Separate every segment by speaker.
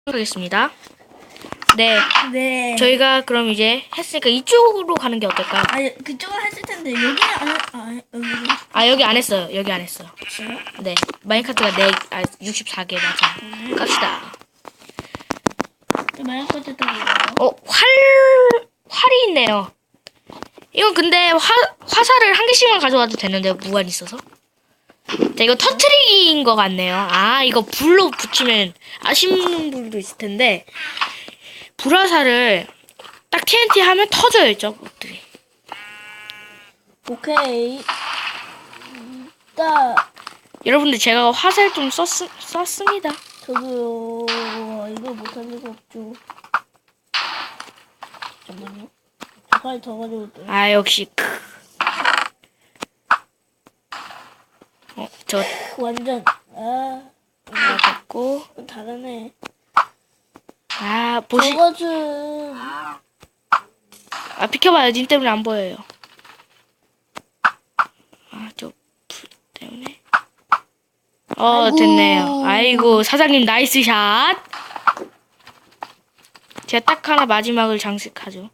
Speaker 1: 하겠습니다. 네,
Speaker 2: 네.
Speaker 1: 저희가 그럼 이제 했으니까 이쪽으로 가는 게 어떨까요?
Speaker 2: 아니 그쪽은 했을 텐데 여기 여기
Speaker 1: 여기 안 했어요. 여기 안 했어요.
Speaker 2: 있어요?
Speaker 1: 네, 마인카트가 64개 맞아요. 갑시다.
Speaker 2: 마이너스 때문에
Speaker 1: 활이 있네요. 이건 근데 화살을 한 개씩만 가져와도 되는데 무한 있어서. 자, 이거 터트리기인 것 같네요. 이거 불로 붙이면 아쉬운 분도 있을 텐데 불화살을 딱 TNT 하면 터져요, 저것들이.
Speaker 2: 오케이. 딱
Speaker 1: 여러분들 제가 화살 좀 썼습니다.
Speaker 2: 저도요. 이거 못할 리가 없죠. 잠깐만요. 빨리 더 가지고 올게요.
Speaker 1: 역시 저
Speaker 2: 완전
Speaker 1: 맞았고
Speaker 2: 다르네.
Speaker 1: 보시
Speaker 2: 저것은
Speaker 1: 비켜봐요. 님 때문에 안 보여요. 저 불 때문에.
Speaker 2: 아이고.
Speaker 1: 됐네요. 아이고, 사장님 나이스 샷. 제가 딱 하나 마지막을 장식하죠.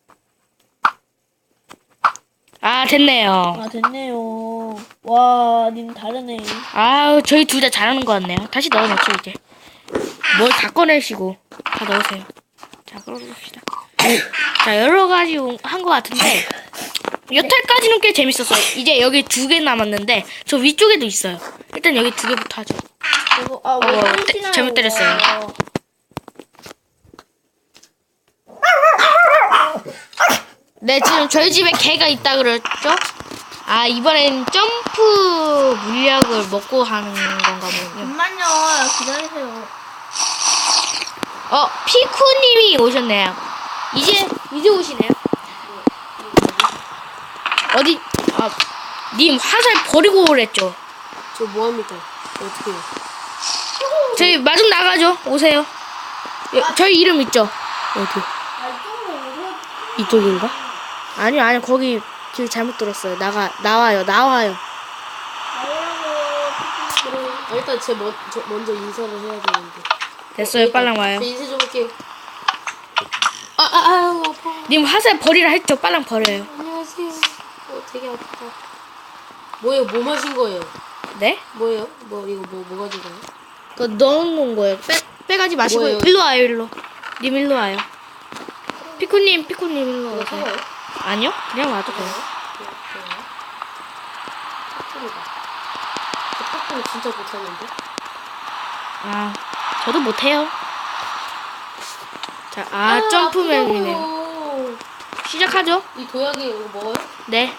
Speaker 1: 됐네요.
Speaker 2: 됐네요. 와, 님 다르네.
Speaker 1: 저희 둘 다 잘하는 것 같네요. 다시 넣어놓죠, 이제. 뭘 다 꺼내시고. 다 넣으세요. 자, 그러봅시다. 자, 여러 가지 한 것 같은데, 여태까지는 꽤 재밌었어요. 이제 여기 2개 남았는데, 저 위쪽에도 있어요. 일단 여기 2개부터 하죠.
Speaker 2: 이거,
Speaker 1: 잘못 때렸어요. 네, 지금 저희 집에 개가 있다 그랬죠? 이번엔 점프 물약을 먹고 하는 건가 보군요.
Speaker 2: 잠깐만요. 기다리세요.
Speaker 1: 피쿠님이 오셨네요. 이제 오시네요. 어디, 님 화살 버리고 오랬죠?
Speaker 3: 저 뭐합니까? 어떻게 해요?
Speaker 1: 저희 마중 나가죠? 오세요. 저희 이름 있죠? 어디? 이쪽인가? 아니요, 거기 길 잘못 들었어요. 나와요.
Speaker 3: 일단 저 먼저 인사를 해야 되는데.
Speaker 1: 됐어요, 빨랑 와요.
Speaker 3: 저 인사 좀 할게요. 아파.
Speaker 1: 님 화살 버리라 했죠? 빨랑 버려요.
Speaker 3: 안녕하세요. 되게 아프다. 뭐예요? 뭐 마신 거예요?
Speaker 1: 네?
Speaker 3: 뭐예요? 이거 뭐 가진 거예요?
Speaker 1: 그거 넣어놓은 거예요. 빼가지 마시고
Speaker 3: 뭐예요?
Speaker 1: 일로 와요, 일로. 님 일로 와요. 피쿠님 일로 와요.
Speaker 3: 사과요?
Speaker 1: 아니요? 그냥 와도 돼요.
Speaker 3: 저 팝콘 진짜 못하는데?
Speaker 1: 저도 못해요. 자, 점프맨이네요.
Speaker 3: 아프다고요.
Speaker 1: 시작하죠?
Speaker 3: 이 도약이 이거 먹어요?
Speaker 1: 네.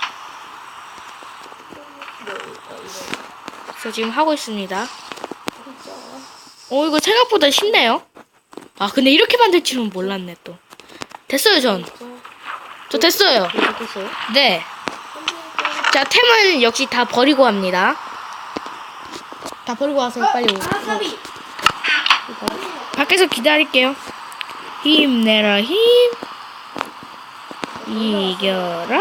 Speaker 1: 저 지금 하고 있습니다. 이거 생각보다 쉽네요. 근데 이렇게 만들 줄은 몰랐네, 또. 됐어요, 저 됐어요.
Speaker 3: 됐어요?
Speaker 1: 네. 자, 템은 역시 다 버리고 합니다. 다 버리고 와서 빨리
Speaker 2: 사비.
Speaker 1: 밖에서 기다릴게요. 힘내라, 힘. 이겨라.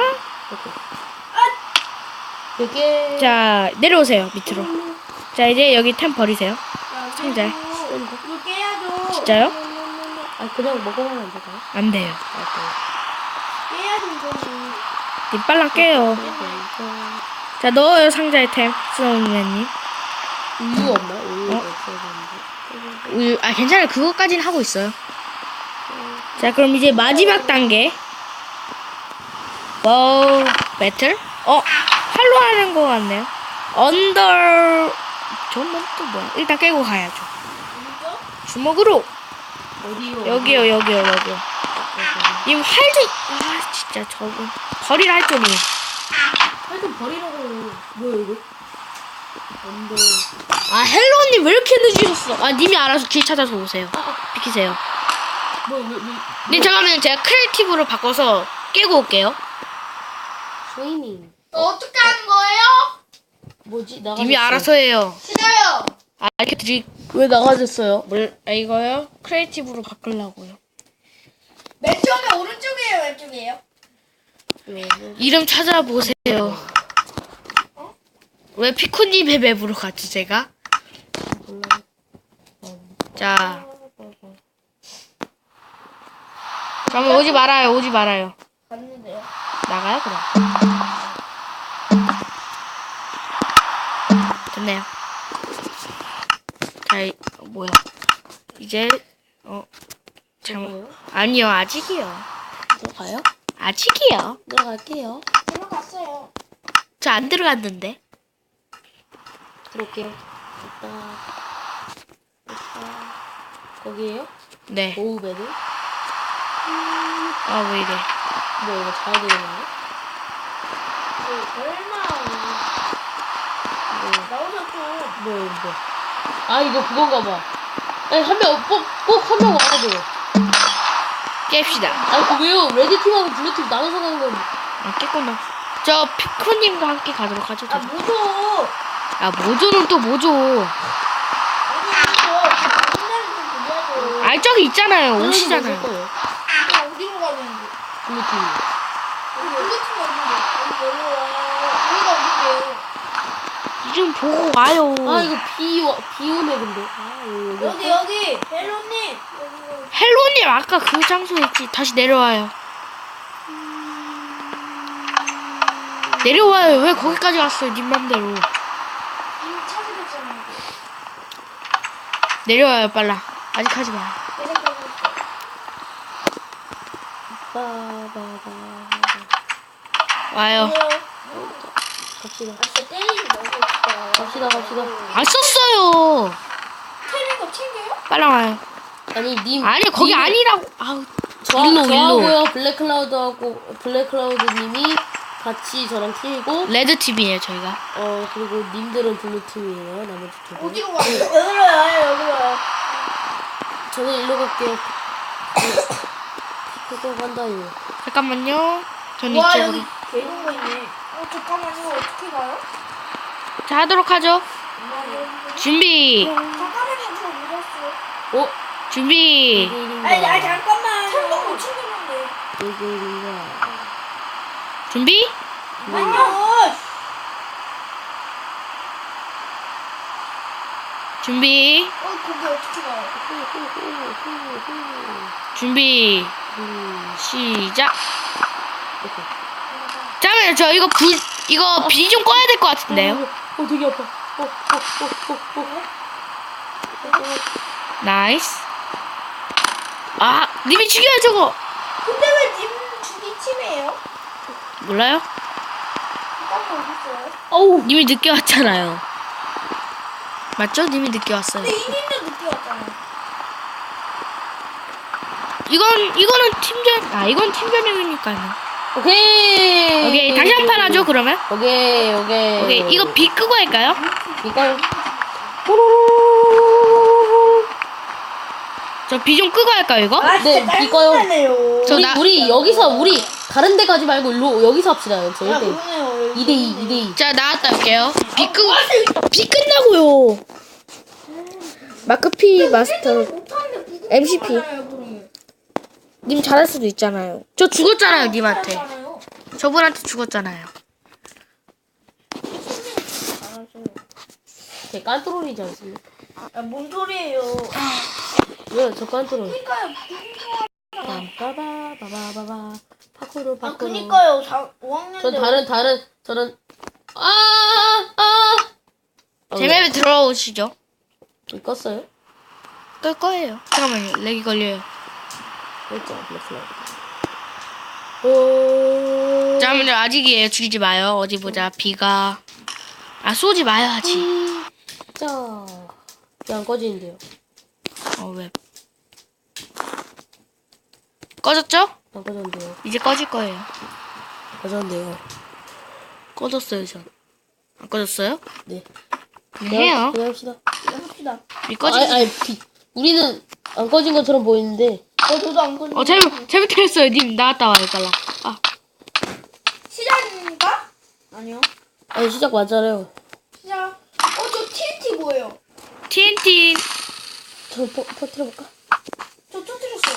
Speaker 3: 되게
Speaker 1: 자, 내려오세요, 밑으로. 자, 이제 여기 템 버리세요. 상자에.
Speaker 2: 이거 깨야죠.
Speaker 1: 진짜요?
Speaker 3: 그냥 먹어보면 안 될까요?
Speaker 1: 안 돼요.
Speaker 2: 깨야죠, 이거는.
Speaker 1: 님 빨랑 깨요. 자, 넣어요, 상자에 템. 스노우맨님.
Speaker 3: 우유 없나? 우유
Speaker 1: 어?
Speaker 3: 없어야 되는데.
Speaker 1: 우유, 괜찮아요. 그거까지는 하고 있어요. 자, 그럼 이제 마지막 단계. 와우, 배틀? 활로 하는 거 같네요. 저건 또 뭐야? 일단 깨고 가야죠. 주먹으로!
Speaker 3: 어디요?
Speaker 1: 여기요. 님 활도, 진짜 저거. 버리라 할 줄이.
Speaker 3: 하여튼 버리라고. 뭐야 이거? 안돼.
Speaker 1: 헬로님 왜 이렇게 늦으셨어? 님이 알아서 길 찾아서 오세요. 비키세요. 네, 잠깐만요. 제가 크리에이티브로 바꿔서 깨고 올게요.
Speaker 3: 쉐이밍.
Speaker 2: 어떻게 하는 거예요?
Speaker 3: 뭐지?
Speaker 1: 님이 알아서 해요.
Speaker 2: 싫어요.
Speaker 1: 이렇게 드리,
Speaker 3: 왜 나가졌어요?
Speaker 1: 이거요? 크리에이티브로 바꾸려고요.
Speaker 2: 맨 처음에 오른쪽이에요, 왼쪽이에요?
Speaker 1: 이름 찾아보세요. 왜 피코님의 맵으로 갔지, 제가? 자, 그러면 오지 말아요. 오지 말아요.
Speaker 2: 갔는데요.
Speaker 1: 나가요 그럼. 됐네요. 자, 뭐야? 이제
Speaker 3: 뭐예요?
Speaker 1: 아니요 아직이요.
Speaker 3: 들어가요?
Speaker 1: 아직이요.
Speaker 3: 들어갈게요.
Speaker 2: 들어갔어요.
Speaker 1: 저 안 들어갔는데.
Speaker 3: 들어올게요. 있다. 거기에요?
Speaker 1: 네.
Speaker 3: 오우베드?
Speaker 1: 아 왜 이래?
Speaker 3: 뭐 이거 잘 되겠는데?
Speaker 2: 얼마 나오셨죠?
Speaker 3: 뭐야 이거? 아 이거 그건가 봐. 아니 꼭 한 명 와야 돼요.
Speaker 1: 깹시다.
Speaker 3: 아니 그 왜요? 레드팀하고 블루팀 나눠서 가는 건
Speaker 1: 아 깼구나. 저 피크님과 함께 가도록 하죠.
Speaker 2: 아 뭐죠?
Speaker 1: 아 모조는 또 모조.
Speaker 2: 아니 이거 옛날에 좀 보자고.
Speaker 1: 아 저기 있잖아요.
Speaker 3: 블루팀
Speaker 1: 오시잖아요.
Speaker 3: 있을 거예요.
Speaker 2: 어디로 가는데?
Speaker 3: 블루팀.
Speaker 2: 우리 블루팀 어딘데? 여기 내려와. 여기가 어딘데요?
Speaker 1: 좀 보고 와요.
Speaker 3: 아 이거 비 오네 근데. 아 여기.
Speaker 2: 여기 헬로님 여기
Speaker 1: 헬로님 아까 그 장소에 있지. 다시 내려와요. 내려와요. 왜 거기까지 왔어요? 님 맘대로.
Speaker 2: 이미 찾으셨잖아요.
Speaker 1: 내려와요 빨라. 아직 하지 마.
Speaker 3: 빠바바.
Speaker 1: 와요.
Speaker 3: 갑시다.
Speaker 2: 아 진짜 때리지 말고
Speaker 3: 갑시다.
Speaker 1: 안 썼어요.
Speaker 2: 때리는 거 챙겨요?
Speaker 1: 빨라 와요.
Speaker 3: 아니 님.
Speaker 1: 아니 거기
Speaker 3: 님은-
Speaker 1: 아니라고. 아우.
Speaker 3: 저하고요
Speaker 1: 일로.
Speaker 3: 블랙클라우드님이 같이 저랑 팀이고
Speaker 1: 레드 팀이에요 저희가.
Speaker 3: 그리고 님들은 블루 팀이에요. 나머지 두 분.
Speaker 2: 어디로 가요? 여기로 와요 여기로 와요.
Speaker 3: 저는 일로 갈게요. 그거 간다요.
Speaker 1: 잠깐만요. 전
Speaker 2: 와
Speaker 1: 이쪽으로.
Speaker 2: 여기 개동거 있네. 잠깐만요 어떻게 가요?
Speaker 1: 자 하도록 하죠. 준비.
Speaker 2: 잠깐만요 저 늦었어요.
Speaker 1: 준비.
Speaker 2: 아니 잠깐만. 철거 못 챙겼는데.
Speaker 3: 이글인가.
Speaker 1: 준비.
Speaker 2: 아니요.
Speaker 1: 준비.
Speaker 2: 거기 어떻게 가요?
Speaker 1: 준비. 시작. 잠깐만요. 저 이거 비 좀 꺼야 될 것 같은데요.
Speaker 3: 되게 아파.
Speaker 1: 나이스. 아 님이 죽여요 저거.
Speaker 2: 근데 왜 님 죽이 팀이에요?
Speaker 1: 몰라요?
Speaker 2: 깜짝 어딨어요?
Speaker 3: 어우.
Speaker 1: 님이 늦게 왔잖아요. 맞죠? 님이 늦게 왔어요.
Speaker 2: 근데 이님도 늦게 왔잖아요.
Speaker 1: 이거는 팀전. 이건 팀전용이니까요.
Speaker 3: 오케이.
Speaker 1: 오케이 다시 한 판 하죠 그러면. 오케이 이거 비 끄고 할까요?
Speaker 3: 이걸.
Speaker 1: 저 비 좀 끄고 할까요 이거?
Speaker 3: 네, 이거요.
Speaker 1: 저
Speaker 3: 우리 여기서 우리 다른 데 가지 말고 일로 여기서 합시다. 저
Speaker 2: 야
Speaker 3: 1대2.
Speaker 2: 그러네요.
Speaker 3: 2대2.
Speaker 1: 자 나왔다 올게요. 비 끝나고요. 마크 P 마스터 MCP. 님 잘할 수도 있잖아요. 저 죽었잖아요 님한테. 저분한테 죽었잖아요.
Speaker 3: 제 깐뚜롤이지 않습니까?
Speaker 2: 뭔 소리예요?
Speaker 3: 왜요? 저 깐뚜롤.
Speaker 2: 그니까요.
Speaker 3: 빠바바바바바 파쿠르.
Speaker 2: 그니까요. 5학년
Speaker 3: 저는
Speaker 1: 제 맵에 들어오시죠.
Speaker 3: 껐어요?
Speaker 1: 끌 거예요. 잠깐만요. 렉이 걸려요.
Speaker 3: 그랬죠. 오.
Speaker 1: 잠깐만요. 아직이에요. 죽이지 마요. 어디 보자. 비가. 쏘지 마요 아직.
Speaker 3: 자. 왜안 꺼지는데요?
Speaker 1: 왜? 꺼졌죠?
Speaker 3: 안 꺼졌는데요.
Speaker 1: 이제 꺼질 거예요.
Speaker 3: 꺼졌는데요.
Speaker 1: 꺼졌어요 전. 안 꺼졌어요?
Speaker 3: 네.
Speaker 1: 해요.
Speaker 3: 그냥 합시다.
Speaker 2: 합시다.
Speaker 1: 비 꺼지.
Speaker 3: 우리는 안 꺼진 것처럼 보이는데.
Speaker 2: 저도 안 걸려.
Speaker 1: 잘못했어요. 님 나갔다 와요 빨라.
Speaker 2: 시작입니까? 아니요.
Speaker 3: 아니 시작 맞잖아요.
Speaker 2: 시작. 저 TNT 뭐예요?
Speaker 1: TNT.
Speaker 3: 저 터뜨려볼까?
Speaker 2: 저 터뜨렸어요.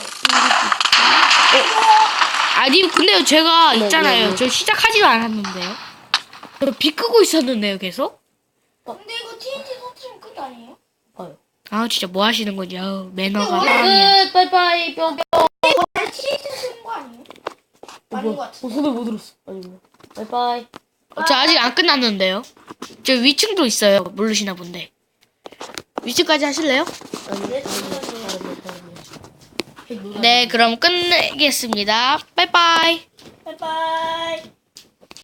Speaker 1: 님 근데요 제가
Speaker 3: 네,
Speaker 1: 있잖아요.
Speaker 3: 네.
Speaker 1: 저 시작하지도 않았는데요. 저 비 끄고 있었는데요 계속.
Speaker 2: 근데 이거 TNT 터뜨리면 끝 아니에요?
Speaker 3: 봐요.
Speaker 1: 진짜 뭐 하시는 거지? 매너가 사람이야.
Speaker 3: 끝. 빠이빠이 뿅뿅.
Speaker 2: TNT 아니에요? 아닌 것 같은데.
Speaker 3: 손에 못 들었어. 아니구나. 바이바이.
Speaker 1: 저 아직 안 끝났는데요. 저 위층도 있어요. 모르시나 본데. 위층까지 하실래요?
Speaker 3: 아니,
Speaker 1: 네, 그럼 끝내겠습니다. 빠이빠이.
Speaker 2: 바이바이.